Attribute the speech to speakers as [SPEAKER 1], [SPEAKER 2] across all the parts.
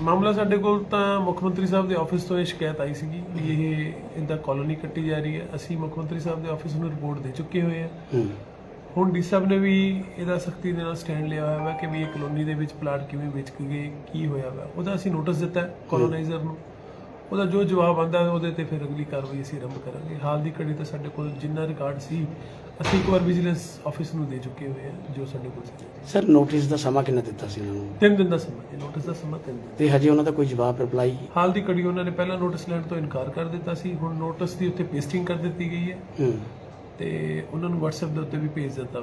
[SPEAKER 1] ਮਾਮਲਾ ਸਾਡੇ ਕੋਲ ਤਾਂ ਮੁੱਖ ਮੰਤਰੀ ਸਾਹਿਬ ਦੇ ਆਫਿਸ ਤੋਂ ਇਹ ਸ਼ਿਕਾਇਤ ਆਈ ਸੀਗੀ ਵੀ ਇਹ ਇਹਦਾ ਕਾਲੋਨੀ ਕੱਟੀ ਜਾ ਰਹੀ ਹੈ। ਅਸੀਂ ਮੁੱਖ ਮੰਤਰੀ ਸਾਹਿਬ ਦੇ ਆਫਿਸ ਨੂੰ ਰਿਪੋਰਟ ਦੇ ਚੁੱਕੇ ਹੋਏ ਹਾਂ। ਹੁਣ ਡੀ ਸਾਹਿਬ ਨੇ ਵੀ ਇਹਦਾ ਸਖਤੀ ਦੇ ਨਾਲ ਸਟੈਂਡ ਲਿਆ ਹੋਇਆ ਹੈ ਕਿ ਵੀ ਇਹ ਕਲੋਨੀ ਦੇ ਵਿੱਚ ਪਲਾਟ ਕਿਵੇਂ ਵੇਚ ਕੇ ਗਏ, ਕੀ ਹੋਇਆ ਵਾ, ਉਹਦਾ ਅਸੀਂ ਨੋਟਿਸ ਦਿੱਤਾ ਕੋਲੋਨਾਈਜ਼ਰ ਨੂੰ। ਉਹਦਾ ਜੋ ਜਵਾਬ ਆਉਂਦਾ ਉਹਦੇ ਤੇ ਫਿਰ ਅਗਲੀ ਕਾਰਵਾਈ ਅਸੀਂ ਆਰੰਭ ਕਰਾਂਗੇ। ਹਾਲ ਦੀ ਘੜੀ ਤਾਂ ਸਾਡੇ ਕੋਲ ਜਿੰਨਾ ਰਿਕਾਰਡ ਸੀ ਅਸੀਂ ਇੱਕ ਵਾਰ ਵਿਜੀਲੈਂਸ ਆਫਿਸ ਨੂੰ ਦੇ ਚੁੱਕੇ ਹੋਏ ਹਾਂ ਜੋ ਸਾਡੇ ਕੋਲ ਸੀ।
[SPEAKER 2] ਸਰ ਨੋਟਿਸ ਦਾ ਸਮਾਂ ਕਿੰਨਾ ਦਿੱਤਾ ਸੀ ਉਹਨਾਂ ਨੂੰ?
[SPEAKER 1] 3 ਦਿਨ ਦਾ ਸਮਾਂ ਹੈ, ਨੋਟਿਸ ਦਾ ਸਮਾਂ 3 ਦਿਨ।
[SPEAKER 2] ਤੇ ਹਜੇ ਉਹਨਾਂ ਦਾ ਕੋਈ ਜਵਾਬ ਰਿਪਲਾਈ?
[SPEAKER 1] ਹਾਲ ਦੀ ਘੜੀ ਉਹਨਾਂ ਨੇ ਪਹਿਲਾਂ ਨੋਟਿਸ ਲੈਣ ਤੋਂ ਇਨਕਾਰ ਕਰ ਦਿੱਤਾ ਸੀ। ਹੁਣ ਨੋਟਿਸ ਦੀ ਉੱਤੇ ਪੇਸਟਿੰਗ ਕਰ ਦਿੱਤੀ ਗਈ ਹੈ ਤੇ ਉਹਨਾਂ ਨੂੰ WhatsApp ਦੇ ਉੱਤੇ ਵੀ ਭੇਜ ਦਿੱਤਾ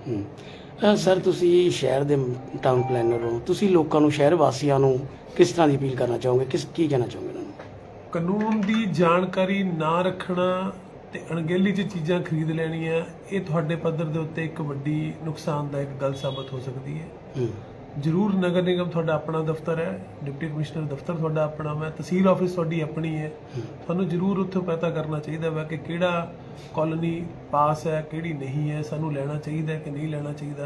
[SPEAKER 1] ਵਾ।
[SPEAKER 2] ਸਰ ਤੁਸੀਂ ਸ਼ਹਿਰ ਦੇ ਟਾਊਨ ਪਲੈਨਰ ਹੋ, ਤੁਸੀਂ ਲੋਕਾਂ ਨੂੰ, ਸ਼ਹਿਰ ਵਾਸੀਆਂ ਨੂੰ ਕਿਸ ਤਰ੍ਹਾਂ ਦੀ ਅਪੀਲ ਕਰਨਾ ਚਾਹੋਗੇ, ਕੀ ਕਹਿਣਾ ਚਾਹੋਗੇ ਉਹਨਾਂ ਨੂੰ?
[SPEAKER 1] ਕਾਨੂੰਨ ਦੀ ਜਾਣਕਾਰੀ ਨਾ ਰੱਖਣਾ ਤੇ ਅਣਗਹਿਲੀ 'ਚ ਚੀਜ਼ਾਂ ਖਰੀਦ ਲੈਣੀਆਂ, ਇਹ ਤੁਹਾਡੇ ਪੱਧਰ ਦੇ ਉੱਤੇ ਇੱਕ ਵੱਡੀ ਨੁਕਸਾਨਦਾਇਕ ਗੱਲ ਸਾਬਤ ਹੋ ਸਕਦੀ ਹੈ। ਜ਼ਰੂਰ ਨਗਰ ਨਿਗਮ ਤੁਹਾਡਾ ਆਪਣਾ ਦਫ਼ਤਰ ਹੈ, ਡਿਪਟੀ ਕਮਿਸ਼ਨਰ ਦਫ਼ਤਰ ਤੁਹਾਡਾ ਆਪਣਾ ਹੈ, ਤਹਿਸੀਲ ਆਫਿਸ ਤੁਹਾਡੀ ਆਪਣੀ ਹੈ। ਤੁਹਾਨੂੰ ਜ਼ਰੂਰ ਉੱਥੇ ਪਤਾ ਕਰਨਾ ਚਾਹੀਦਾ ਵਾ ਕਿ ਕਿਹੜਾ ਕਾਲੋਨੀ ਪਾਸ ਹੈ, ਕਿਹੜੀ ਨਹੀਂ ਹੈ, ਸਾਨੂੰ ਲੈਣਾ ਚਾਹੀਦਾ ਕਿ ਨਹੀਂ ਲੈਣਾ ਚਾਹੀਦਾ।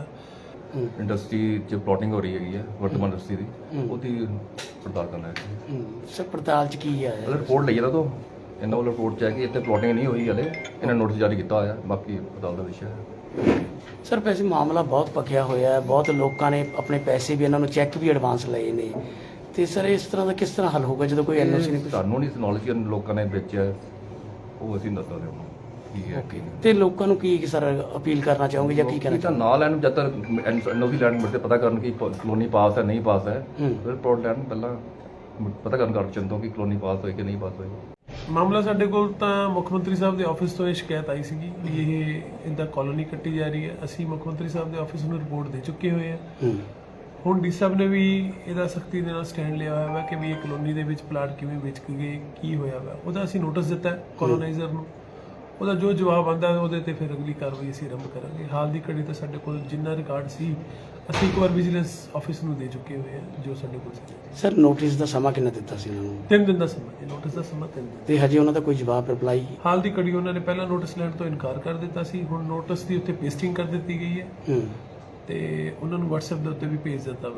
[SPEAKER 3] ਇੰਡਸਟਰੀ 'ਚ ਪਲੋਟਿੰਗ ਹੋ ਰਹੀ ਹੈਗੀ ਹੈ ਵਰਤਮਾਨ ਇੰਡਸਟਰੀ ਦੀ, ਉਹਦੀ ਪੜਤਾਲ ਕਰਨਾ ਹੈ।
[SPEAKER 2] ਸਰ ਪੜਤਾਲ 'ਚ ਕੀ ਹੈ?
[SPEAKER 3] ਰਿਪੋਰਟ ਲਈ ਨਾ ਤੋਂ ਇਹਨਾਂ ਵੱਲੋਂ ਰਿਪੋਰਟ 'ਚ ਹੈ ਕਿ ਇੱਥੇ ਪਲੋਟਿੰਗ ਨਹੀਂ ਹੋਈ ਹਲੇ, ਇਹਨਾਂ ਨੋਟਿਸ ਜਾਰੀ ਕੀਤਾ ਹੋਇਆ, ਬਾਕੀ ਪੜਤਾਲ ਦਾ ਵਿਸ਼ਾ ਹੈ।
[SPEAKER 2] ਸਰ ਵੈਸੇ ਮਾਮਲਾ ਬਹੁਤ ਪੱਕਿਆ ਹੋਇਆ ਹੈ, ਬਹੁਤ ਲੋਕਾਂ ਨੇ ਆਪਣੇ ਪੈਸੇ ਵੀ, ਇਹਨਾਂ ਨੂੰ ਚੈੱਕ ਵੀ ਐਡਵਾਂਸ ਲਏ ਨੇ, ਤੇ ਸਰ ਇਸ ਤਰ੍ਹਾਂ ਦਾ ਕਿਸ ਤਰ੍ਹਾਂ ਹੱਲ ਹੋਊਗਾ ਜਦੋਂ ਕੋਈ ਐਨਓਸੀ ਨਹੀਂ?
[SPEAKER 3] ਤੁਹਾਨੂੰ ਨਹੀਂ ਨੌਲੇਜ ਲੋਕਾਂ ਨੇ ਵੇਚਿਆ, ਉਹ ਅਸੀਂ ਦੱਸ ਸਕਦੇ ਹਾਂ ਕੀ ਹੈ।
[SPEAKER 2] ਤੇ ਲੋਕਾਂ ਨੂੰ ਕੀ ਸਰ ਅਪੀਲ ਕਰਨਾ ਚਾਹੋਗੇ ਜਾਂ ਕੀ ਕਹਿਣਾ
[SPEAKER 3] ਤਾਂ ਨਾਲ ਲੈਣ ਜਦ ਤੱਕ ਐਨਓਸੀ ਲੈਣ ਮਿਲਦੇ ਪਤਾ ਕਰਨ ਕਿ ਕਲੋਨੀ ਪਾਸ ਹੈ ਨਹੀਂ ਪਾਸ ਹੈ, ਫਿਰ ਰਿਪੋਰਟ ਲੈਣ ਪਹਿਲਾਂ ਪਤਾ ਕਰਨ ਕਰ ਚੰਦੋ ਕਿ ਕਲੋਨੀ ਪਾਸ ਹੋਈ ਕਿ ਨਹੀਂ ਪਾਸ ਹੋਈ।
[SPEAKER 1] ਮਾਮਲਾ ਸਾਡੇ ਕੋਲ ਤਾਂ ਮੁੱਖ ਮੰਤਰੀ ਸਾਹਿਬ ਦੇ ਆਫਿਸ ਤੋਂ ਇਹ ਸ਼ਿਕਾਇਤ ਆਈ ਸੀਗੀ ਵੀ ਇਹ ਇਹਦਾ ਕਾਲੋਨੀ ਕੱਟੀ ਜਾ ਰਹੀ ਹੈ। ਅਸੀਂ ਮੁੱਖ ਮੰਤਰੀ ਸਾਹਿਬ ਦੇ ਆਫਿਸ ਨੂੰ ਰਿਪੋਰਟ ਦੇ ਚੁੱਕੇ ਹੋਏ ਹਾਂ। ਹੁਣ ਡੀ ਸਾਹਿਬ ਨੇ ਵੀ ਇਹਦਾ ਸਖਤੀ ਦੇ ਨਾਲ ਸਟੈਂਡ ਲਿਆ ਹੋਇਆ ਹੈ ਕਿ ਵੀ ਇਹ ਕਲੋਨੀ ਦੇ ਵਿੱਚ ਪਲਾਟ ਕਿਵੇਂ ਵੇਚ ਕੇ ਗਏ, ਕੀ ਹੋਇਆ ਵਾ, ਉਹਦਾ ਅਸੀਂ ਨੋਟਿਸ ਦਿੱਤਾ ਕੋਲੋਨਾਈਜ਼ਰ ਨੂੰ। ਉਹਦਾ ਜੋ ਜਵਾਬ ਆਉਂਦਾ ਉਹਦੇ ਤੇ ਫਿਰ ਅਗਲੀ ਕਾਰਵਾਈ ਅਸੀਂ ਆਰੰਭ ਕਰਾਂਗੇ। ਹਾਲ ਦੀ ਘੜੀ ਤਾਂ ਸਾਡੇ ਕੋਲ ਜਿੰਨਾ ਰਿਕਾਰਡ ਸੀ ਅਸੀਂ ਇੱਕ ਵਾਰ ਵਿਜੀਲੈਂਸ ਆਫਿਸ ਨੂੰ ਦੇ ਚੁੱਕੇ ਹੋਏ ਹਾਂ ਜੋ ਸਾਡੇ ਕੋਲ ਸੀ।
[SPEAKER 2] ਸਰ ਨੋਟਿਸ ਦਾ ਸਮਾਂ ਕਿੰਨਾ ਦਿੱਤਾ ਸੀ ਉਹਨਾਂ ਨੂੰ?
[SPEAKER 1] 3 ਦਿਨ ਦਾ ਸਮਾਂ ਹੈ, ਨੋਟਿਸ ਦਾ ਸਮਾਂ 3 ਦਿਨ।
[SPEAKER 2] ਤੇ ਹਜੇ ਉਹਨਾਂ ਦਾ ਕੋਈ ਜਵਾਬ ਰਿਪਲਾਈ? ਹਾਲ
[SPEAKER 1] ਦੀ ਘੜੀ ਉਹਨਾਂ ਨੇ ਪਹਿਲਾਂ ਨੋਟਿਸ ਲੈਣ ਤੋਂ ਇਨਕਾਰ ਕਰ ਦਿੱਤਾ ਸੀ। ਹੁਣ ਨੋਟਿਸ ਦੀ ਉੱਤੇ ਪੇਸਟਿੰਗ ਕਰ ਦਿੱਤੀ ਗਈ ਹੈ ਤੇ ਉਹਨਾਂ ਨੂੰ WhatsApp ਦੇ ਉੱਤੇ ਵੀ ਭੇਜ ਦਿੱਤਾ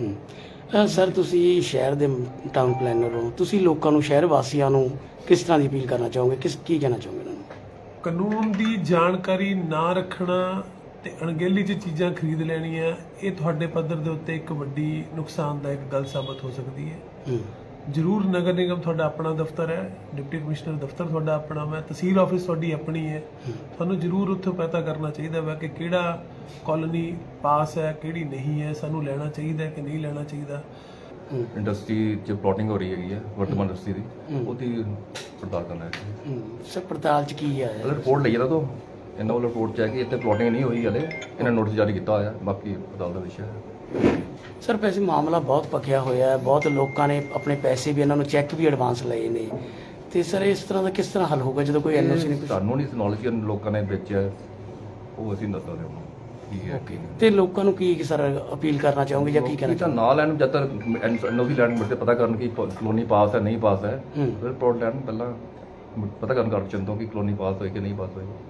[SPEAKER 1] ਵਾ।
[SPEAKER 2] ਸਰ ਤੁਸੀਂ ਸ਼ਹਿਰ ਦੇ ਟਾਊਨ ਪਲੈਨਰ ਹੋ, ਤੁਸੀਂ ਲੋਕਾਂ ਨੂੰ, ਸ਼ਹਿਰ ਵਾਸੀਆਂ ਨੂੰ ਕਿਸ ਤਰ੍ਹਾਂ ਦੀ ਅਪੀਲ ਕਰਨਾ ਚਾਹੋਗੇ, ਕੀ ਕਹਿਣਾ ਚਾਹੋਗੇ ਉਹਨਾਂ ਨੂੰ?
[SPEAKER 1] ਕਾਨੂੰਨ ਦੀ ਜਾਣਕਾਰੀ ਨਾ ਰੱਖਣਾ ਤੇ ਅਣਗਹਿਲੀ 'ਚ ਚੀਜ਼ਾਂ ਖਰੀਦ ਲੈਣੀਆਂ, ਇਹ ਤੁਹਾਡੇ ਪੱਧਰ ਦੇ ਉੱਤੇ ਇੱਕ ਵੱਡੀ ਨੁਕਸਾਨਦਾਇਕ ਗੱਲ ਸਾਬਤ ਹੋ ਸਕਦੀ ਹੈ। ਜ਼ਰੂਰ ਨਗਰ ਨਿਗਮ ਤੁਹਾਡਾ ਆਪਣਾ ਦਫ਼ਤਰ ਹੈ, ਡਿਪਟੀ ਕਮਿਸ਼ਨਰ ਦਫ਼ਤਰ ਤੁਹਾਡਾ ਆਪਣਾ ਹੈ, ਤਹਿਸੀਲ ਆਫਿਸ ਤੁਹਾਡੀ ਆਪਣੀ ਹੈ। ਤੁਹਾਨੂੰ ਜ਼ਰੂਰ ਉੱਥੇ ਪਤਾ ਕਰਨਾ ਚਾਹੀਦਾ ਵਾ ਕਿ ਕਿਹੜਾ ਕਾਲੋਨੀ ਪਾਸ ਹੈ, ਕਿਹੜੀ ਨਹੀਂ ਹੈ, ਸਾਨੂੰ ਲੈਣਾ ਚਾਹੀਦਾ ਕਿ ਨਹੀਂ ਲੈਣਾ ਚਾਹੀਦਾ।
[SPEAKER 3] ਇੰਡਸਟਰੀ 'ਚ ਪਲੋਟਿੰਗ ਹੋ ਰਹੀ ਹੈਗੀ ਹੈ ਵਰਤਮਾਨ ਇੰਡਸਟਰੀ ਦੀ, ਉਹਦੀ ਪੜਤਾਲ ਕਰਨਾ ਹੈ।
[SPEAKER 2] ਸਰ ਪੜਤਾਲ 'ਚ ਕੀ ਹੈ?
[SPEAKER 3] ਰਿਪੋਰਟ ਲਈ ਨਾ ਤੋਂ ਇਹਨਾਂ ਵੱਲੋਂ ਰਿਪੋਰਟ 'ਚ ਹੈ ਕਿ ਇੱਥੇ ਪਲੋਟਿੰਗ ਨਹੀਂ ਹੋਈ ਹਲੇ, ਇਹਨਾਂ ਨੋਟਿਸ ਜਾਰੀ ਕੀਤਾ ਹੋਇਆ, ਬਾਕੀ ਪੜਤਾਲ ਦਾ ਵਿਸ਼ਾ ਹੈ।
[SPEAKER 2] ਸਰ ਵੈਸੇ ਮਾਮਲਾ ਬਹੁਤ ਪੱਕਿਆ ਹੋਇਆ ਹੈ, ਬਹੁਤ ਲੋਕਾਂ ਨੇ ਆਪਣੇ ਪੈਸੇ ਵੀ, ਇਹਨਾਂ ਨੂੰ ਚੈੱਕ ਵੀ ਐਡਵਾਂਸ ਲਏ ਨੇ, ਤੇ ਸਰ ਇਸ ਤਰ੍ਹਾਂ ਦਾ ਕਿਸ ਤਰ੍ਹਾਂ ਹੱਲ ਹੋਊਗਾ ਜਦੋਂ ਕੋਈ ਐਨਓਸੀ ਨਹੀਂ?
[SPEAKER 3] ਤੁਹਾਨੂੰ ਨਹੀਂ ਨੌਲੇਜ ਲੋਕਾਂ ਨੇ ਵੇਚਿਆ, ਉਹ ਅਸੀਂ ਦੱਸ ਸਕਦੇ ਹਾਂ ਕੀ ਹੈ।
[SPEAKER 2] ਤੇ ਲੋਕਾਂ ਨੂੰ ਕੀ ਸਰ ਅਪੀਲ ਕਰਨਾ ਚਾਹੋਗੇ ਜਾਂ ਕੀ ਕਹਿਣਾ?
[SPEAKER 3] ਤਾਂ ਨਾਲ ਲੈਣ ਜਦ ਤੱਕ ਐਨਓਸੀ ਲੈਣ ਮਿਲਦੇ ਪਤਾ ਕਰਨ ਕਿ ਕਲੋਨੀ ਪਾਸ ਹੈ ਨਹੀਂ ਪਾਸ ਹੈ, ਫਿਰ ਰਿਪੋਰਟ ਲੈਣ ਪਹਿਲਾਂ ਪਤਾ ਕਰਨ ਕਰ ਚੰਦੋ ਕਿ ਕਲੋਨੀ ਪਾਸ ਹੋਈ ਕਿ ਨਹੀਂ ਪਾਸ ਹੋਈ।